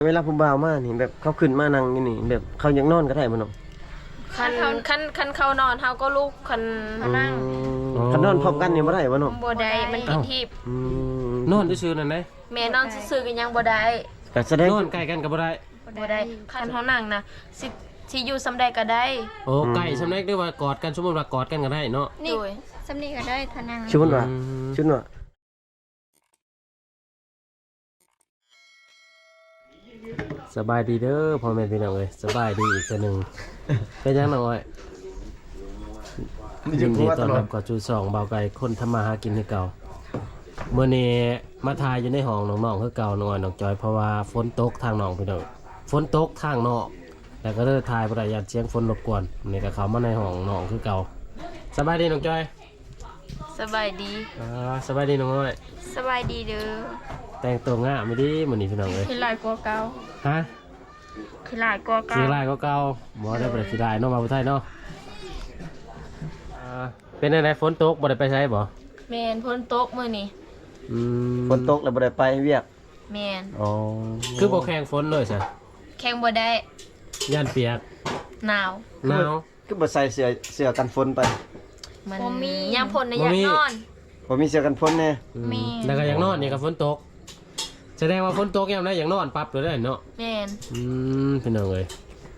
เวลาผู้บ่าวมานี่แบบเขาขึ้นมานั่งอยู่นี่แบบเขายังนอนก็ได้บ่น้องคันเขานอนเฮาก็ลุกคันนั่งคันนอนพร้อมกันนี่บ่ได้บ่น้องบ่ได้มันผิดทิพย์นอนซื่อๆนั่นได้แม่นอนซื่อๆก็ยังบ่ได้ก็แสดงนอนใกล้กันก็บ่ได้บ่ได้คันเฮานั่งนะสิอยู่ซำใดก็ได้โอ้ใกล้สำเร็จด้วยว่ากอดกันสมมุติว่ากอดกันก็ได้เนาะนี่สำนีก็ได้ทนังชุดว่าชุดว่าสบายดีเด้อพ่อแม่พี่น้องเอ้ยสบายดีอีกตัวหนึงเป็นยังน้องอ้อยยินดีต้อนรับกับจู2เบาไก่คนทำมาหากินคือเก่ามื้อนี้มาทายอยู่ในห้องน้องๆคือเก่าน้องอ้อยน้องจอยเพราะว่าฝนตกทางน้องพี่น้องฝนตกทางนอกแล้วก็เลยทายบ่ได้อยากเสียงฝนรบกวนนี่ก็เข้ามาในห้องน้องคือเก่าสบายดีน้องจอยสบายดีสบายดีน้องอ้อยสบายดีเด้อแต่งตัวงามไม่ดีมื้อนี้พี่น้องเอ้ยคือหลายกว่าเก่าฮะคือหลายกว่าเก่าสีลายก็เก่าบ่ได้บ่ได้สีลายเนาะมาบ่ไทยเนาะเป็นจังไดฝนตกบ่ได้ไปไสบ่แม่นฝนตกมื้อนี้ฝนตกแล้วบ่ได้ไปเวียกแม่นอ๋อคือบ่แข่งฝนเลยซะแข่งบ่ได้ย่านเปียกหนาวหนาวคือบ่ใส่เสื้อกันฝนไปมันยามฝนน่ะอยากนอนบ่มีเสื้อกันฝนแน่มีแล้วก็ยังนอนนี่ก็ฝนตกแสดงว่าฝนตกยามใดยังนอนปั๊บเลยเนาะแม่นพี่น้องเอ้ย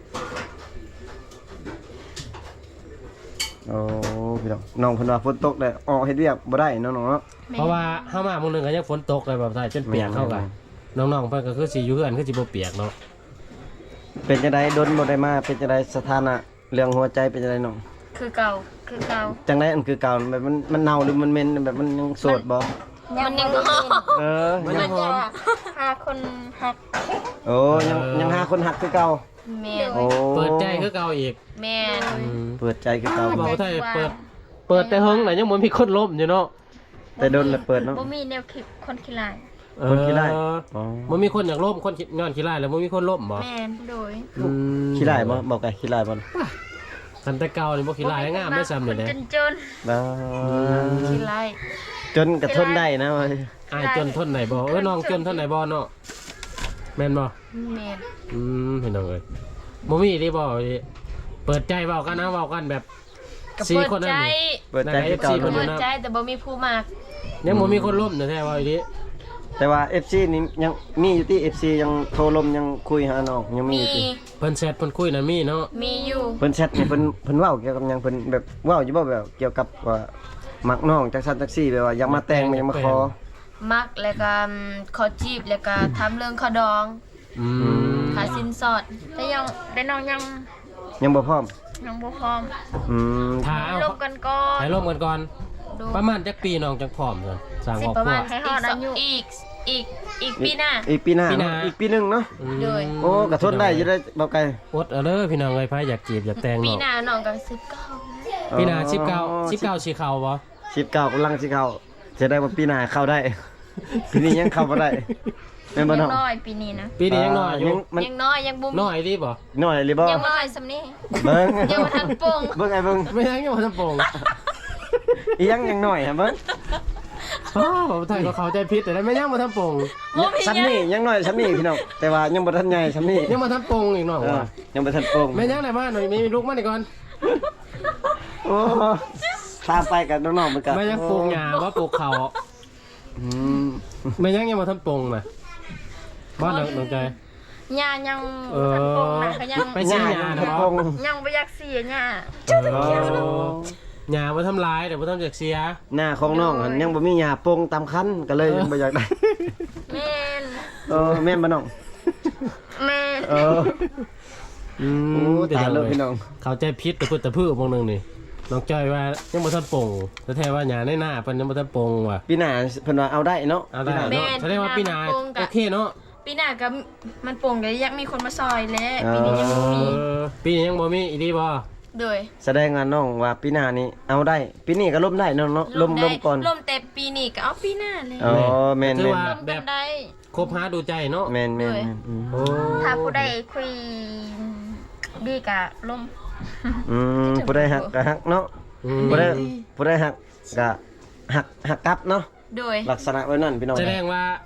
โอ้พี่น้องน้องเพิ่นว่าฝนตกแล้วออกเฮ็ดเวียกบ่ได้เนาะน้องเนาะเพราะว่าเฮามามื้อนึงก็ยังฝนตกเลยแบบไทยจนเปียกเข้ากันน้องๆเพิ่นก็คือสิอยู่เฮือนคือสิบ่เปียกเนาะเป็นจังไดดนบ่ได้มาเป็นจังไดสถานะเรื่องหัวใจเป็นจังไดน้องคือเก่าคือเก่าจังไดอันคือเก่าแบบมันเน่าหรือมันเหม็นแบบมันยังโสดบ่มันยังเออมันยังหอมหาคนหักโอ้ยังหาคนหักคือเก่าแม่นโอ้เปิดใจคือเก่าอีกแม่นเปิดใจคือเก่าบอกว่าไทยเปิดแต่เฮงน่ะยังบ่มีคนล้มอยู่เนาะแต่โดนแล้วเปิดเนาะบ่มีแนวคิดคนขี้ลายคนขี้ร้าย อ๋อมันมีคนอยากล้มคนงอนขี้ร้ายแล้วมันมีคนล้มบ่แม่นโดยขี้ร้ายบ่บอกไงขี้ร้ายบ่คันแต่เก่านี่บ่ขี้ร้ายงามได้ซ้ำนี่เด้จนบ้าขี้ไล่จนกระทนได้นะเว้ยอายจนทนไหนบ่น้องจนทนไหนบ่เนาะแม่นบ่แม่นพี่น้องเอ้ยบ่มีดิบ่ดิเปิดใจเว้ากันนะเว้ากันแบบก็สี่เปิดคนนั่ใจนนี่เปิดใจคือเก่าเปิเปิเนาะดใจแต่บ่มีผู้มากยังบ่มีคนล้มแท้ๆว่าอีดิแต่ว่า FC นี่ยังมีอยู่ที่ FC ยังโทรลมยังคุยหาน้องยังมีมีอยู่ติเพิ่นแชทเพิ่นคุยน่ะมีเนาะมีอยู่เพิ่นแชทนี่เพิ่นเว้าเกี่ยวกับหยังเพิ่นแบบเว้าอยู่บ่แบบเกี่ยวกับว่ามักน้องจักซั่นจักซี่แบบว่าอยากมาแต่งอยากมาขอมักแล้วก็ขอจีบแล้วก็ทำเรื่องขอดองอืมหาสินสอดแต่ยังแต่น้องยังยังบ่พร้อมยังบ่พร้อมอืมถ้าเอาลบกันก่อนให้ล้มกันก่อนดูประมาณจักปีน้องจักพร้อมซั่นสร้างครอบประครัมาณวให้ฮอดอายุอีกปีหน้าอีกปีหน้าปีหน้าอีกปีหนึงเนาะเลยโอ้กระทนได้อยู่ได้บ่ไกลอดเอาเด้อพี่น้องเอ้ยไผอยากจีบอยากแต่งปีเนาะหน้าน้องก็19 ปีหน้า19สิเข้าบ่ 19กำลังสิเข้าจะได้ว่าปีหน้าเข้าได้ ปีนี้ยังเข้าบ่ได้แม่นบ่ยัน้องงน้อยปีนี้นะปีนี้ยังน้อยอยู่มันยังน้อยยังบ่มีน้อยดิบ่น้อยหรือบ่ยังบ่ทันสำนี้เบิ่งยังบ่ทันโป่งเบิ่งไอ้เบิ่งไม่ยังยังบ่ทันโป่งอีหยังน้อยฮะเบิ่งอ้าวผมไทยก็เข้าใจผิดแต่ได้ไม่ยังบ่ทันโป่งบ่มีซ้ำนี่ยังน้อยซ้ำนี่พี่น้องแต่ว่ายังบ่ทันใหญ่ซ้ำนี่ยังบ่ทันโป่งอีกเนาะเออว่ายังบ่ทันโป่งแม่ยังไหนบ้านหน่อยมีลูกมานี่ก่อนโอ้ตามไปกับน้องๆเหมือนกันแม่ยังปลูกหญ้าว่าปลูกเขาอืมแม่ยังบ่ทันโป่งน่ะบ้านน้องใจย่ายังเอทันโปงอนะก็ยังไปซื้อหญ้าทัเนาะนโป่งยังบ่อยากเสียย่าหญ้าบ่ทำลายแต่บ่ทำจากเสียหน้าของน้องหั่นยังบ่มีหญ้าโป่งตามคันก็เลยยังบ่อยากได้แม่นแม่นบ่น้องแม่นเอออืโอ้เดี๋ยวตายเลแล้วยพี่น้องเข้าใจผิดแต่พูดแต่พื้นวงนึงนี่น้องจ้อยว่ายังบ่ทันโป่งแต่แท้ว่าหญ้าในหน้าเพิ่นยังบ่ทันโป่งว่ะปีหน้าเพิ่นว่าเอาได้เนาะเอาได้เนาะแสดงว่าปีหน้าโอเคเนาะปีหน้าก็มันโป่งก็อยากมีคนมาซอยแล้วปีนี้ยังบ่มีปีนี้ยังบ่มีอีดีบ่โดยแสดงว่าน้องว่าปีหน้านี้เอาได้ ปีนี้ก็ล้มได้เนาะล้มได้ก่อนล่มแต่ปีนี้ก็เอาปีหน้าเลยอ๋อแม่นถือแม่นว่าร่วมแบกับ นได้คบหาดูใจเนาะแม่นแม่นเลยแม่นอืมโอ้ถ้าผู้ใดคุยดีกะล่มผู้ใดหักก็หักเนาะอืมผู้ใดหักก็หักกลับเนาะโดยลักษณะไว้นั่นพี่น้องแสดงว่า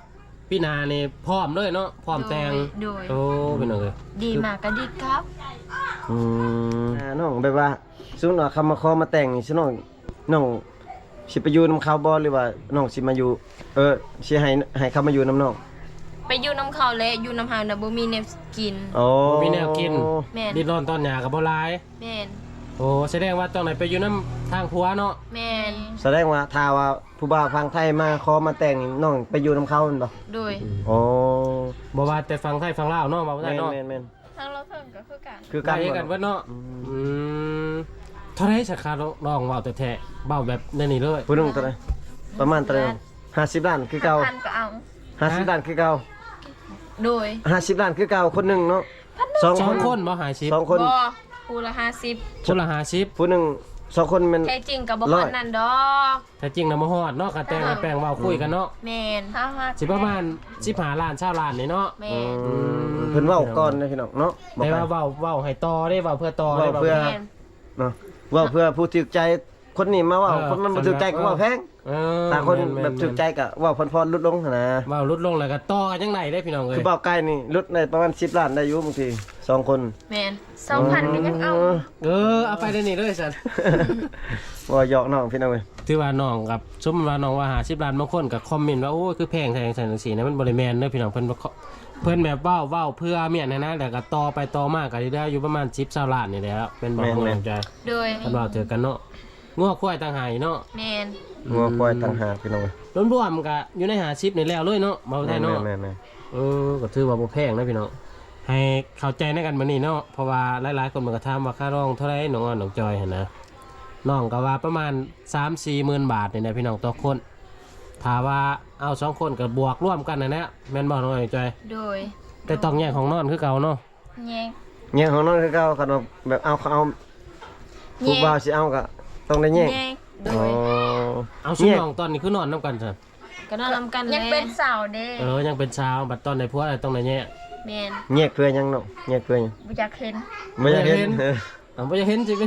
พี่นานี่พร้อมเลยเนาะพร้อมแต่งโดยโอ้พี่น้องเอ้ยดีมากก็ดีครับน้องแบบว่าสมมุติว่าคำมาขอมาแต่งนี่สิน้องสิไปอยู่นำเขาบ่หรือว่าน้องสิมาอยู่สิให้เขามาอยู่นำน้องไปอยู่น้ำเขาและอยู่น้ำหาวนะบ่มีแนวกินโอ้บ่มีแนวกินแม่นดิ้นรนตอนหยากับบ่หลายแม่นโอ้แสดงว่าตอนไหนไปอยู่น้ำทางผัวเนาะแม่นแสดงว่าถ้าว่าผู้บ่าวฟังไทยมาขอมาแต่งนี่น้องไปอยู่นำเขาแม่นบ่โดยโอ้บ่ว่าแต่ฟังไทยฟังลาวเนาะบ่ว่าได้เนาะแม่นทางเราเพิ่งก็คือกันคือกักาน รกันเบิดเนาะเท่าไหร่สักคาน้องเว้าแต่แท้เว้าแบบนั่นนี่เลยผู้หนึงเท่าไหร่ประมาณเท่าไหร่50ล้านคือเก่าพันก็เอา 50ล้านคือเก่าโดย 50ล้านคือเก่าคนหนึงเนาะสองสองคคน นบ่หาชิปสองคนบ่ผู้ละ50 คนละหาชิปผู้หนึงสองคนแมันแท้จริงก็บ่ร้คัอยนนั้นดอกแต่จริงนะบ่ฮอดเนาะกะแต่งกับแป้งเว้าคุยกันเนาะแม่นสิประมาณ15ล้าน20ล้านนี่เนาะแม่นเพิ่นเว้าก่อนนะพี่น้องเนาะบอกแต่ไปว่าเว้าให้ต่อได้เว้าเพื่อต่อได้เว้าเพื่อแม่นเนาะเว้าเพื่อผู้ถูกใจคนนี้มาเว้าคนมันบ่ถูกใจก็เว้าแพงเออถ้าคนม่แบบถูกใจก็เว้าพรๆลดลงหั่นนะเว้าลดลงแล้วก็ต่อกันจังไดได้พี่น้องเอ้ยคือเว้าใกล้นี่ลดได้ประมาณ10ล้านได้อยู่บางทีสองคนแม่น2,000ก็ยังเอาเอาไปได้นี่เลยสันว่าหยอกน้องพี่น้องเว้ยถือว่าน้องกับสมมุติว่าน้องว่า50ล้านบางคนก็คอมเมนต์ว่าโอ้ยคือแพงแท้จังซี่นะมันบ่ได้แม่นเด้อพี่น้องเพิ่นแบบเว้าเพื่อเมียนนะแล้วก็ต่อไปต่อมาก็ได้อยู่ประมาณ10-20ล้านนี่แหละเป็นบ่ฮู้ใจโดยคันว่าเจอกันเนาะงัวควายต่างหากเนาะแม่นงัวควายต่างหากพี่น้องเว้ยรวมๆก็อยู่ใน50นี่แล้วเลยเนาะบ่ได้เนาะแม่นก็ถือว่าบ่แพงนะพี่น้องให้เข้าใจในกันมื้อนี้เนาะเพราะว่าหลายๆคนมันก็ถามว่าค่าร้องเท่าไหร่น้องอ้อนน้องจอยหั่นนะน้องก็ว่าประมาณ 3-4 หมื่นบาทนี่นะพี่น้องต่อคนถ้าว่าเอา2คนก็บวกร่วมกันนะแม่นบ่น้องอ้อนน้องจอยโดยแต่ต้องแยกของนอนคือเก่าเนาะแยกๆเนี่ยของน้องคือเก่าคันว่าแบบเอาผู้บ่าวสิเอาก็ต้องได้แยกแยกโดอ๋อยเอาซุน้องตอนนี้คือนอนนํกันซั่นก็นอนนำกันยังเป็นสาวเด้ยังเป็นเช้าบัดตอนในผัวต้องได้แยกแม่นแยกเพื่อหยังเนาะแยกเพื่อหยังบ่อยากเห็นบ่อยากเห็นเอาบ่จะเห็นสิเป็น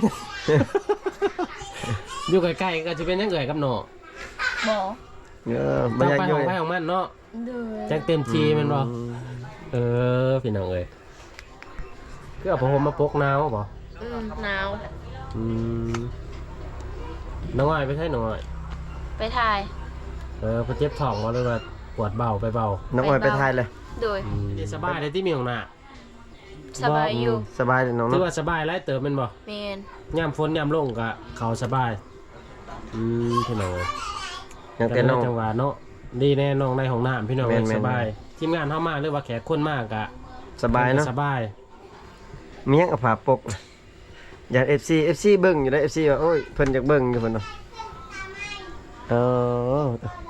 อยู่ใกล้ๆก็สิเป็นจังเอ่ยกับน้องบ่บ่ต้องอยากไปอยู่ของไปของมันเนาะโดยจังเต็มทีแม่นบ่พี่น้องเอ้ยคือเอาผมมาปกหนาวบ่หนาวน้องอ้อยไปใช่น้องอ้อยไปถ่ายเพิ่นเจ็บท้องบ่หรือว่าปวดเบาไปเบาน้องอ้อยไปทายเลยโดยสบายเลยที่มีของหน้าสบายอยู่สบายเลยน้องถือเนาะว่าสบายหลายเติบแม่นบ่แม่นยามฝนยามลงก็เขาสบายพี่น้องเอ้ยยังแต่น้องจังหวะเนาะดีแน่น้องในห้องน้ำพี่น้องเอ้ยแม่นๆสบายทีมงานเฮามาหรือว่าแขกคนมากก็สบายเนาะสบายมีหยังกับผาปกอยาก FC เบิ่งอยู่ได้ FC ว่าโอ้ยเพิ่นอยากเบิ่งอยู่เพิ่นเนาะเออ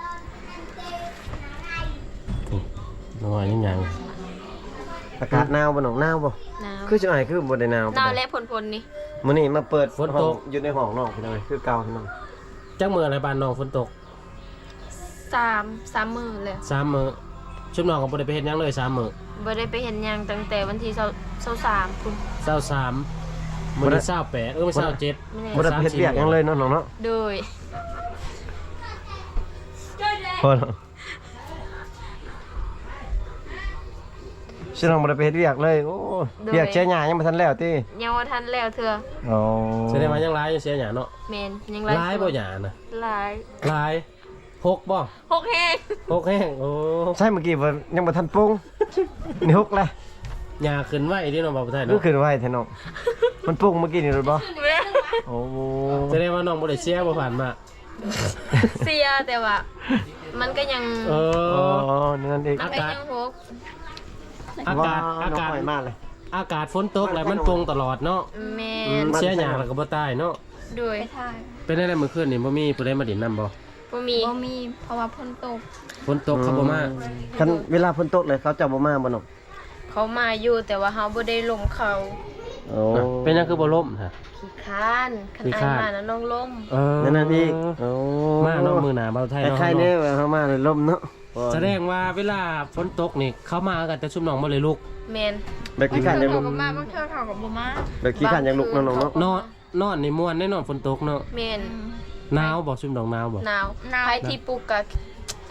น้องอ้อยยังยังอากาศหนาวบ่น้องหนาวบ่หนาวคือจังไดคือบ่ได้หนาวหนาวและพลนี่มื้อนี้มาเปิดห้องอยู่ในห้องน้องพี่น้องคือเก่าพี่น้องจักมื้ออะไรบ้านน้องฝนตก 3มื้อเลย 3มื้อชุบน้องก็บ่ได้ไปเฮ็ดหยังเลย3มื้อบ่ได้ไปเห็นหยังตั้งแต่วันที่23คุณ 23มื้อนี้28ไม่27 บ่ได้ไปเฮ็ดเวียกหยังเลยเนาะน้องเนาะโดยพอแล้วสิน้องบ่ได้ไปเฮ็ดเวียกเลยโอ้เวียกเชียหญ้ายังบ่ทันแล้วติยังบ่ทันแล้วเทื่ออ๋อแสดงว่ายังหลายอยู่เสียหยังเนาะแม่นยังหลายบ่หยาน่ะหลายหลาย6บ่ 6แฮง 6แห้งโอ้ใช่เมื่อกี้บ่ยังบ่ทันปรุงนี่ฮุกเลยหยาขึ้นไว้ที่น้องบอกบ่ได้ก็เนาะขึ้นไว้แท้น้องมันปรุงเมื่อกี้นี่รู้บ่โอ้แสดงว่าน้องบ่ได้เสียบ่ผ่านมาเสียแต่ว่า มันก็ยังเออ๋ออนั่นเองมันก็ยังหกอากาศน้องหอยมากเลยอากาศฝนตกแล้วมันปรุงตลอดเนาะแม่นเสียหยาแล้วก็บ่ตายเนาะโดยไปถ่ายเป็นได้มื้อคืนนี่บ่มีผู้ใดมาดินน้ำบ่บ่มีบ่มีเพราะว่าฝนตกฝนตกเขาบ่มาคันเวลาฝนตกเลยเขาจะบ่มาบ่น้องเขามาอยู่แต่ว่าเฮาบ่ได้ลงเขาโอ้เป็นหยังคือบ่ล่มฮะขี้ค้านคันขี้อาคร้าย นมานะน้องล้มนั่นอีกโอ้มาเนาะมื้อหน้าเบาไทยแต่เนาะใครเนี่ยว่าเขามาเลยลมเนาะแสดงว่าเวลาฝนตกนี่เขามากันแต่ชุมน้องบ่เลยลุกแม่นแบบขี้ขันยังลุกก็มาบางเทื่อเขาก็บ่มาแบบขี้ขันยังลุกเนาะน้องเนาะนอนนี่ม่วนแน่นอนฝนตกเนาะแม่นหนาวบ่ชุมน้องหนาวบ่หนาวหนาวไผที่ปลูกก็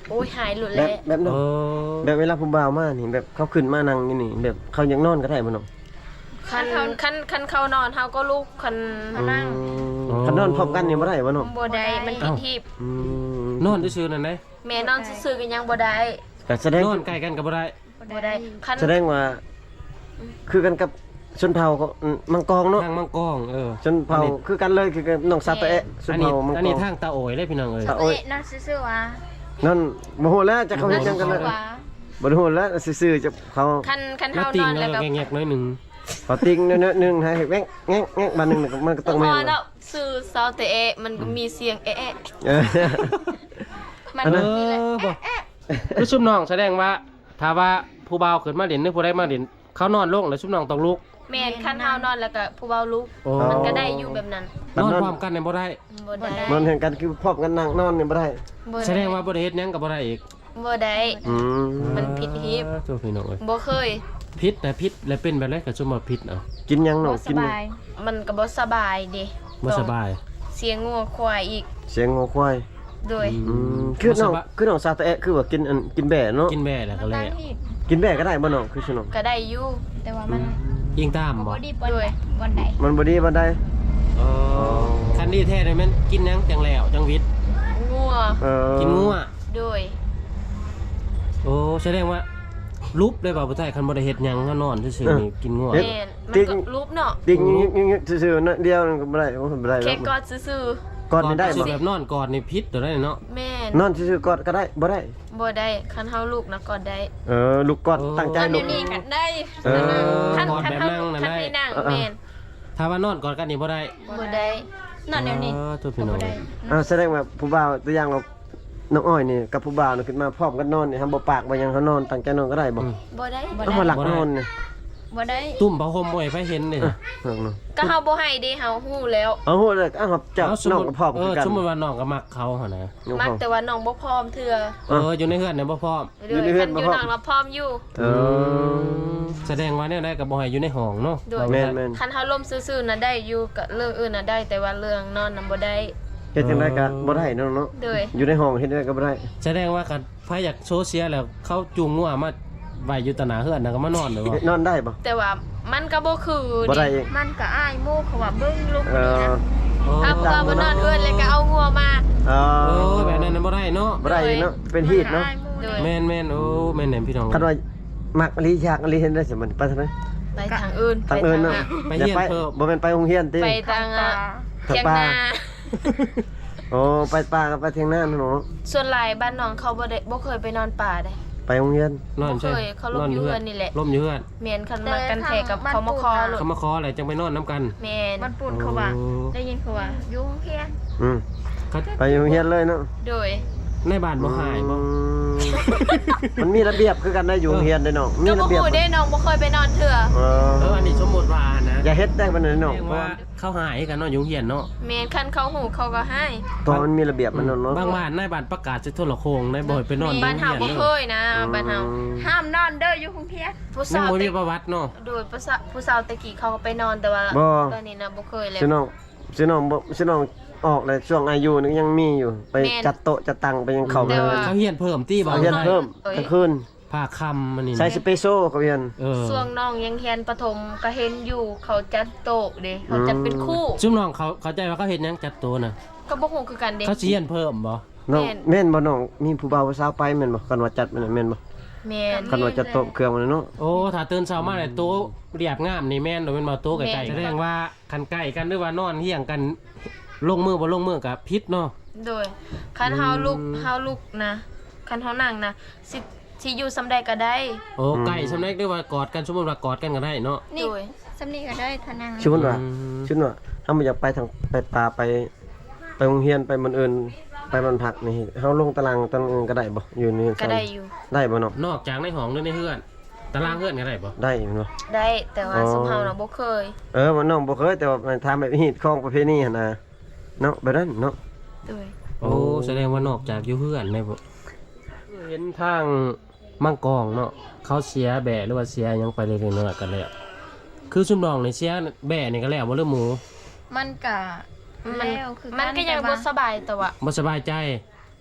โอ้ยหายหลุดแบแล้บวแบบน้องโอ้แบบเวลาผู้บ่าวมานี่แบบเขาขึ้นมานั่งนี่นี่แบบเขายังนอนก็ได้บ่น้องคันเขานอนเฮาก็ลุกคันเขานั่งคันนอนพร้อมกันนี่บ่ได้บ่น้องบ่ได้มันผิดทีบอืมนอนซื่อๆนั่นได้แม่นอนซื่อๆกันยังบ่ได้ก็แสดงนอนใกล้กันก็บ่ได้บ่ได้คันแสดงว่าคือกันกับชนเผ่าก็มังกรเนาะทางมังกรชนเผ่าคือกันเลยคือกันน้องซาตะเอะชอันนนี้เผ่ามังอันกนี้รทางตาโอยเลยพี่น้องเอ้ยตะโอ้ยนั่นซื่อๆว่านั่นบ่ฮู้แล้วจะเขาเฮ็ดจังกันเลยว่าบ่ฮู้แล้วซื่อๆจะเขาคันแล้วเฮาตินงอนแล้แล้ว วก็แงกๆน้อยหนึงเขาติ้งเนื้อนึงให้แง่งแง่งแง่งบานนึงมันก็ต้องพแม่อน แล้วซื่อเซาเตะมันก็มีเสียงเอะเออมันอันนั้นนี่แหละบ่คือชุบน้องแสดงว่าถ้าว่าผู้บ่าวขึ้นมาเล่นหรือผู้ใดมาเล่นเขานอนลงแล้วชุบน้องต้องลุกแม่นคันเฮานอนแล้วก็ผู้เบาลุกโอ้มันก็ได้อยู่แบบนั้นนอนพร้อมกันเนี่ยบ่ได้บ่ได้นอนเห็นกันคือพร้อมกันนั่งนอนนี่บ่ได้บ่ไแสดงว่าบ่ได้เฮ็ดหยังก็บ่ได้อีกบ่ได้อืมมันผิดฮีบตัวพี่น้องเอ้ยบ่เคยพิษแต่พิษแล้วเป็นแบบไรก็ชุบมาพิษเอากินยังน้องบ่สกินยังบายมันก็บ่สบายเด้บ่สบายเสียงงัวควายอีกเสียงงัวควายโดยอืมคือน้องซาตะเอะคือว่ากินกินแบ่เนาะกินแม่แล้วก็แล้วกินแบ่ก็ได้บ่น้องคือชิน้องก็ได้อยู่แต่ว่ามันยิงตามบ่บ่ดีวันใดมันบ่ดีบ่ได้อ๋อคันนี้แท้เลยแม่นกินหยังจังแล้วจังวิทย์งัวเออกินงัวโดยโอ้แสดงว่าลุบได้บ่ผู้ชายคันบ่ได้เฮ็ดหยังก็นอนซื่อๆนี่กินงัวแม่นมันก็รูปเนาะติ้งยิงซื่อๆนะเดียวนึงก็บ่ได้บ่ได้แค่แล้วกอดซื่อก่อนนี่ได้สิบ่แบบนอนกอดนี่พิษตัวได้เนาะๆแม่นนอนซื่อๆกอดก็ได้บ่ได้บ่ได้คันเฮาลูกนะกอดได้ลูกกอดตั้งใจตอนลูเดี๋กยวนี้ก็ได้เออคันกอดคันแบบเฮานั่งลูกนั่นคันได้ให้นั่งแม่นถ้าว่านอนกอดกันนี่บ่ได้บ่ได้นั่นเดี๋ยวนี้ตัวพี่น้องบ่ได้แสดงว่าผู้บ่าวตัวอย่างว่าน้องอ้อยนี่กับผู้บ่าวนี่ขึ้นมาพร้อมกันนอนนี่ทำบ่ปากบ่หยังเขานอนตั้งใจนอนก็ได้บ่บ่ได้เอามาหลักนอนนี่บ่ได้ตุ่มผ้าห่มบ่ให้ไผเห็นนี่ก็เฮาบ่ให้เด้เฮาฮู้แล้วเอาโหเลยเอาครับจับเอาสมน้องมุติกับพ่อมคือกันสมมุติว่าน้องก็มักเขาหั่นนะน้องมักพ่อมแต่ว่าน้องบ่พร้อมเทื่ออยู่ในเฮือนเนี่ยบ่พร้อมอยู่ในเฮือนบ่คัพร้อมน้องเราพร้อมอยู่เออแสดงว่าเนี่ยได้ก็บ่ให้อยู่ในห้องเนาะโดยแม่นแม่นคันเฮาล่มซื่อๆน่ะได้อยู่กับเรื่องอื่นน่ะได้ แต่ว่าเรื่องนอนน่ะบ่ได้เฮ็ดจังไดก็บ่ได้เนาะเนาะโดยอยู่ในห้องเฮ็ดจังไดก็บ่ได้แสดงว่าคันไผอยากโซเชียลแล้วเขาจูงงัวมาไว้อยู่ตะหน้าเฮือนน่ะก็มานอนเลยบ่นอนได้บ่แต่ว่ามันก็บ่คือบ่ได้ดิเองมันก็อ้ายโมเขาว่าเบิ่งลูกเอนี่อนะถ้าบ่ว่าบ่นอนเอื้อนเลยก็เอางัวมาเอเอออแบบนั้นน่ะบ่ได้เนาะบ่ได้เนาะเป็นฮีตเนาะโดยแม่นๆโอ้แม่นแหนมพี่น้องคันว่ามักอลีอยากอลีเห็นได้สิมันไปทางไหนไปทางอื่นทางอื่นเนาะไปอย่าเฮียนไปเพิ่มบ่แม่นไปโรงเรียนติไปทางตาเทียงนาโอ้ไปป่ากับไปเที่ยงหน้าเนาะส่วนหลายบ้านน้องเขาบ่เคยไปนอนป่าได้ไปโรงเรียนนอนใช่บ่เคยเขาลมอยู่เฮือนนี่แหละล่มอยู่เฮือนแม่นคันมากันแทกกับเขามาคอโลดเขามาขออะไรจังไปนอนน้ำกันแม่นมันปุ่นเขาว่าโอ้ได้ยินเขาว่าอยู่โรงเรียนอืมเขาไปโรงเรียนเลยเนาะโดยในบ้านบ่หายบ่มันมีระเบียบคือกันได้อยู่โรงเรียนได้เนาะมีก็ระบ่เบียบฮู้ได้น้องบ่เคยไปนอนเถื่ออันนี้สมมุติว่านะอย่าเฮ็ดได้มันเลยเนาะแสดงเพราะว่าว่าเขาหายกันเนาะอยู่เฮียนเนาะแม่นคันเขาหูเขาก็ให้ตอนมันมีระเบียบมันเนาะบางบ้านในบ้านประกาศจะโทรโคงในบ่อยไปนอนอยู่บ้านเฮาเฮียนบ่เนาะเคยนะบ้านเฮาห้ามนอนเด้ออยู่โรงเรียนผู้ยังสาวบ่แต่มีประวัติเนาะโดยผู้สาวตะกี้เขาก็ไปนอนแต่ว่าตอนนี้นะบ่เคยแล้วซิน้องบ่ซิน้องออกเลยช่วงอายุนึงยังมีอยู่ไปจัดโต๊ะจัดตังไปยังเข้าไปเขาเฮียนเพิ่มตีบ่เอาเฮียนเพิ่มกลางคืนผ้าคำมันนี่ใส่สเปโซเขาเฮียนช่วงน้องยังเรียนประถมก็เห็นอยู่เขาจัดโต๊ะเด้เขาจัดเป็นคู่ซุ่มน้องเขาเข้าใจว่าเขาเฮ็ดหยังจัดตัวน่ะก็บ่ฮู้คือกันเด้เขาสิเฮียนเพิ่มบ่น้องแม่นบ่น้องมีผู้บ่าวผู้สาวไปแม่นบ่กันว่าจัดแม่นบ่แม่นกันว่าจัดโต๊ะเครื่องมันเนาะโอ้ถ้าตื่นเช้ามาแล้วโตะเรียบงามนี่แม่นโดยเป็นบ่โตะใกล้ๆแสดงว่าคันใกล้กันหรือว่านอนเฮียงกันลงมือบ่ลงมือก็ผิดเนาะโดยคันเฮาลุกนะคันเฮานั่งนะสิอยู่ซำใดก็ได้โอ้ไก่สำเร็จได้ว่ากอดกันสมมุติว่ากอดกันก็ได้เนาะนี่โดยสำนีก็ได้ทานังชื่อว่าถ้ามันอยากไปทางไปป่าไปโรงเรียนไปมันอื่นไปมันผักนี่เฮาลงตารางก็ได้บ่อยู่นี่ก็ได้อยู่ได้บ่เนาะนอกจากในห้องหรือในเฮือนตารางเฮือนก็ได้บ่ได้เนาะได้แต่ว่าซุมเฮาน่ะบ่เคยมันน้องบ่เคยแต่ว่ามันทำแบบฮีตของประเพณีหั่นน่ะเนาะแบบนั้นเนาะโดยโอ้แสดงว่านอกจากอยู่เฮือนได้บ่เห็นทางมังกรเนาะเขาเสียแบะหรือว่าเสียหยังไปเรื่อยๆนั่นแหละกันแล้วคือซุมน้องนี่เสียแบะนี่ก็แล้วบ่เรื่องหมูมันก็มันแล้วคือมันก็ยังบ่สบายแต่ว่าบ่สบายใจ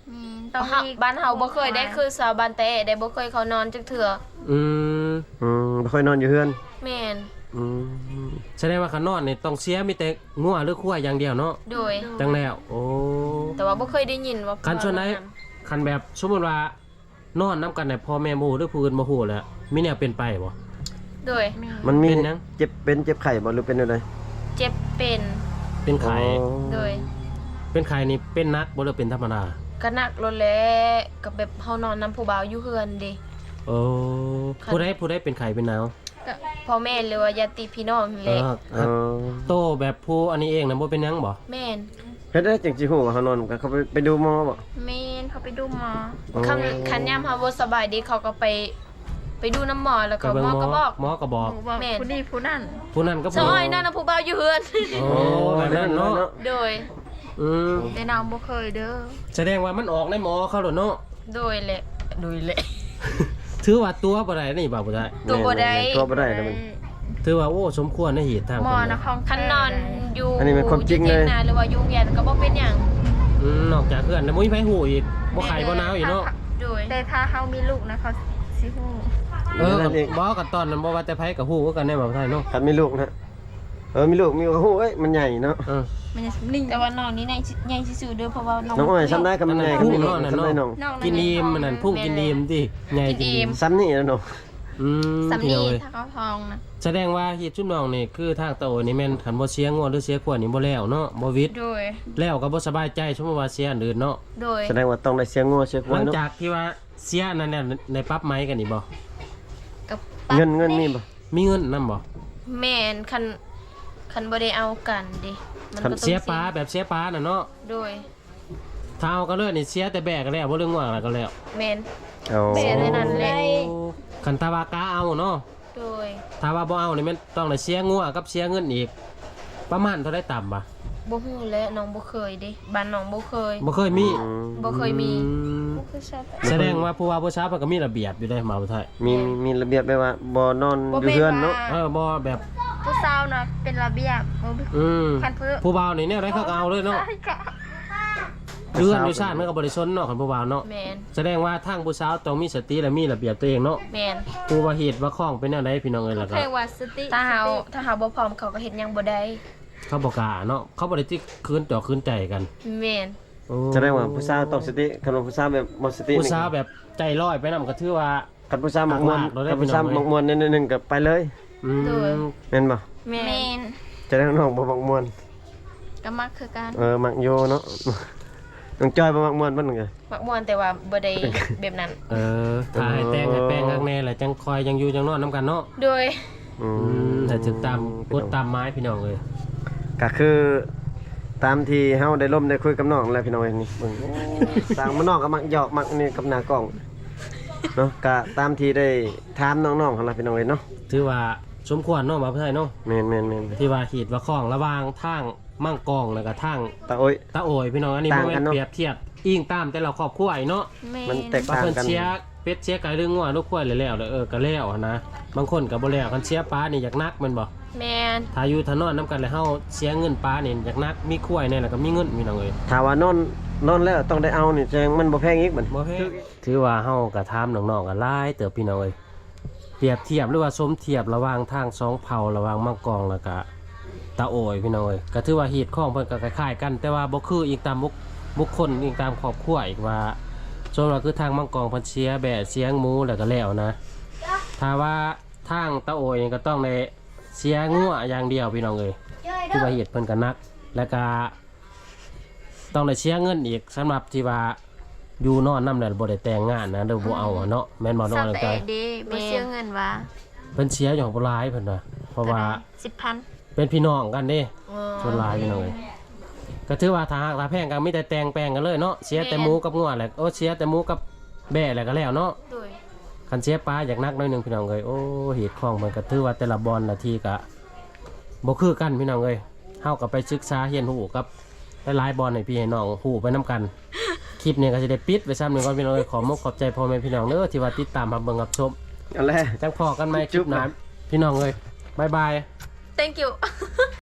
มีต้องเฮามีบ้านเฮาบ่เคยได้คือชาวบ้านแต่ได้บ่เคยเขานอนจักเทื่ออืมบ่ค่อยนอนอยู่เฮือนแม่นอืมแสดงว่าคันนอนนี่ต้องเสียมีแต่งัวหรือควายอย่างเดียวเนาะโดยจังแล้วโอ้แต่ว่าบ่เคยได้ยินว่าคันส่วนไหนคันแบบสมมุติว่านอนนํกันเนี่ยพ่อแม่บ่ฮู้หรือผู้อื่นบ่ฮู้แหล้วมีแนวเป็นไปบ่โดยมีมันมีเป็นหยังเจ็บไข้บ่หรือเป็นอะไรเจ็บเป็นเป็นไข้โดยเป็นไข้นี่เป็นหนักบ่หรือเป็นธรรมดาก็หนักโลดแหล้วกับแบบเฮานอนนํผู้บ่าวอยู่เฮือนเด้โอ้ผู้ใดเป็นไข้เป็นหนาวก็พ่อแม่หรือว่าญาติพี่น้องนั่นแหละโตแบบผู้อันนี้เองนะบ่เป็นหยังบ่แม่นเฮ็ดได้จังสิฮู้ว่าเขานอนกันเขาไปดูหมอบ่เมนเขาไปดูหมอคันยามเฮาบ่สบายดีเขาก็ไปดูน้ำหมอแล้วก็เบิ่งหมอก็บอกหมอก็บอกหนูบอกแม่นผู้นี้ผู้นั่นผู้นั้นก็ซอยนั่นน่ะผู้บ่าวอยู่เฮือนโอ้แบบนั้นเนาะโดยอืมแต่น้องบ่เคยเด้อแสดงว่ามันออกในหมอเขาแล้วเนาะโดยแหละโดยแหละถือว่าตัวบ่ได้นี่บ่ได้ตัวบ่ได้ตัวบ่ได้แล้วมันถือว่าโอ้สมควรในเหตุทางหมอเพิ่นนะนะของคันนอนอยู่อันนี้เป็นความจริงเลยอถีงนาหรือว่าอยู่โรงเรียนก็บ่เป็นหยังนอกจากเพื่อนแล้วบ่มีไผฮู้อีกบ่ไข้บ่หนาวอีกเนาะโดยแต่ถ้าเขามีลูกนะเขาสิฮู้กับบ่กับตอนนั้นบ่ว่าแต่ไผก็ฮู้คือกันในบ่าวไทยเนาะคันมีลูกนะมีลูกมีก็ฮู้เอ้ยมันใหญ่เนาะเออมันจะนิ่งแต่ว่าน้องนี่ใหญ่ซื่อๆเด้อเพราะว่าน้องน้องอ้อยซ้ำได้กับมันใหญ่พุ่งนี่เนาะนั่นซ้ำได้น้องเนาะกินอิ่มมันนั่นพุ่งกินอิ่มติใหญ่กินอิ่มซ้ำนี่แล้วน้องอืมสำพี่นีน้องเอ้ยถ้าเขาทองนะแสดงว่าเฮ็ดชุบน้องนี่คือทางตะโอนี่แม่นคันบ่เสียงัวหรือเสียขวดนี่บ่แล้วเนาะบ่วิดโดยแล้วก็บ่สบายใจสมมุติว่าเสียอันอื่นเนาะโดยแสดงว่าต้องได้เสียงงัวเสียควาหลัยงเนาะจากที่ว่าเสียนั่นเนี่ยในปรั๊บไม้กันนี่บ่กับเงินมีบ่มีเงินนํบ่แม่นคันบ่ได้เอากันดิมันก็ต้องเสียปลาแบบเสียปลาน่ะเนาะโดยถ้าเอาก็เลยนี่เสียแต่แบกก็แล้วบ่เรื่องว่าอะไรก็แล้วแม่นเอาเสียเลยนั่นแหละคันตาวากาเอาเนาะโดยถ้าว่าบ่เอานี่แม่นต้องได้เสียงัวกับเสียเงินอีก ประมาณเท่าได้ต่ำบ่บ่ฮู้และน้องบ่เคยเดิบ้านน้องบ่เคยบ่เคยมีบ่เคยมีอืมบ่เคยทราบแสดงว่าผู้ว่าผู้ชายเพิ่นก็มีระเบียบอยู่ได้มาบ่ไทยมีระเบียบแบบว่าบ่นอนอยู่เฮือนเนาะบ่แบบผู้สาวนะเป็นระเบียบบ่มีอืมคันเพื่อผู้บ่าวนี่เนี่ยได้เขาก็เอาเลยเนาะใช่ค่ะเรือนอยู่ชาติมันก็บ่ได้สนเนาะคันผู้บ่าวเนาะแม่นแสดงว่าทางผู้สาวต้องมีสติและมีระเบียบตัวเองเนาะแม่นผู้ว่าเหตุว่าข้องเป็นแนวใดพี่น้องเอ้ยล่ะก็เรียกว่าสติถ้าเฮาบ่พร้อมเขาก็เฮ็ดหยังบ่ได้เขาบ่กล้าเนาะเขาบ่ได้ที่คืนต่อคืนใจกันแม่นโอ้แสดงว่าผู้สาวต้องสติคันว่าผู้สาวแบบบ่สติผู้สาวแบบใจลอยไปนำก็ถือว่าคันผู้สาวมักม่วนเราได้คันผู้สาวไปนำไหมมักม่วนนิดนึงก็ไปเลยอืมแม่นบ่แม่เมนนจะได้น้องบ่มักม่วนก็มักคือกันมักโยเนาะน้องจอยบ่มักม่วนเพิ่นก็มักม่วนแต่ว่าบ่ได้แบบนั้นถ่ายแต่งให้แป้งข้างในแหละจังคอยยังอยู่จังนอนน้ำกันเนาะโดยแต่ถึงตามกดตามไม้พี่น้องเลยก็คือตามที่เฮาได้ร่วมได้คุยกับน้องแล้วพี่น้องเอ้ยนี่เบิ่งสร้างมาน้องก็มักหยอกมักนี่กับหน้ากล้องเนาะก็ตามที่ได้ถามน้องๆหั่นล่ะพี่น้องเอ้ยเนาะถือว่าสมควรเนาะมาเพื่อนเนาะแม่นๆที่ว่าขีดว่าข้องระหว่างทางมั่งกองแล้วก็ทางๆตาโอ้ยตาโอยพี่น้องอันนี้ต่างบ่กัแม่นนเนาะเปรียบเทียบอิงตามแต่ละครอบครัวไอ้เนาะเมมันนแตกบางต่างคนกันเชียร์เป็ดเชียร์ไก่เรื่องงัวลูกควายแล้วๆก็แล้วอะนะบางคนก็บ่แล้วคันเชียร์ปลานี่อยากนักแม่นบ่แม่นถ้าอยู่ถนนนํกันแล้วเฮาเสียเงินปลานี่อยากนักมีควายเนี่ยแล้วก็มีเงินพี่น้องเอ้ยถ้าว่านอนแล้วต้องได้เอานี่แสดงมันบ่แพงอีกบัดบ่แพงถือว่าเฮาก็ถามน้องๆก็หลายเติบพี่น้องเอ้ยเปรียบเทียบหรือว่าสมเทียบระหว่างทางสองเผ่าระหว่างมังกรแล้วก็ตาโอยพี่น้องเอ้ยก็ถือว่าเหตุข้องเพิ่นก็คล้ายๆกัน แต่ว่าบ่คืออีกตามบุคคลอีกตามครอบครัวอีกว่าส่วนว่าคือทางมังกรเพิ่นเสียแบะเสียงหมูแล้วก็แล้วนะถ้าว่าทางตาโอยนี่ก็ต้องได้เสียงัวอย่างเดียวพี่น้องเอ้ยคือว่าเหตุเพิ่นก็หนักแล้วก็ต้องได้เสียเงินอีกสำหรับที่ว่าอยู่นอนนำแล้วบ่ได้แต่งงานนะเด้อบ่เอาอะเนาะแม่นบ่น้องเศร้าจังแต่ใจเด้บ่เสียเงินว่าเพิ่นเสียอย่างบ่หลายเพิ่นน่ะเพราะว่า 10,000 เป็นพี่น้องกันเด้อ๋อส่วนหลายพี่น้องเอ้ยก็ถือว่าถ้าแพงกันมีแต่แต่งแปลงกันเลยเนาะเสียแต่หมูกับงัวแหละโอ้เสียแต่หมูกับแบ่แหละก็แล้วเนาะโดยคันเสียปลาอยากนักหน้อยหนึงพี่น้องเอ้ยโอ้เหตุของมันก็ถือว่าแต่ละบอลนาทีก็บ่คือกันพี่น้องเอ้ยเฮาก็ไปศึกษาเรียนรู้กับหลายๆบอลให้พี่ให้น้องฮู้ไปนํกันคลิปนี้ก็สิได้ปิดไว้ซ้ำหนึงก่อนพี่น้องเอ้ยขอมกขอบใจพ่อแม่พี่น้องเด้อที่ว่าติดตามรับเบิ่งรับชมเอาแหละจังพอกันใหม่คลิปหน้าพี่น้องเอ้ยบ๊ายบาย thank you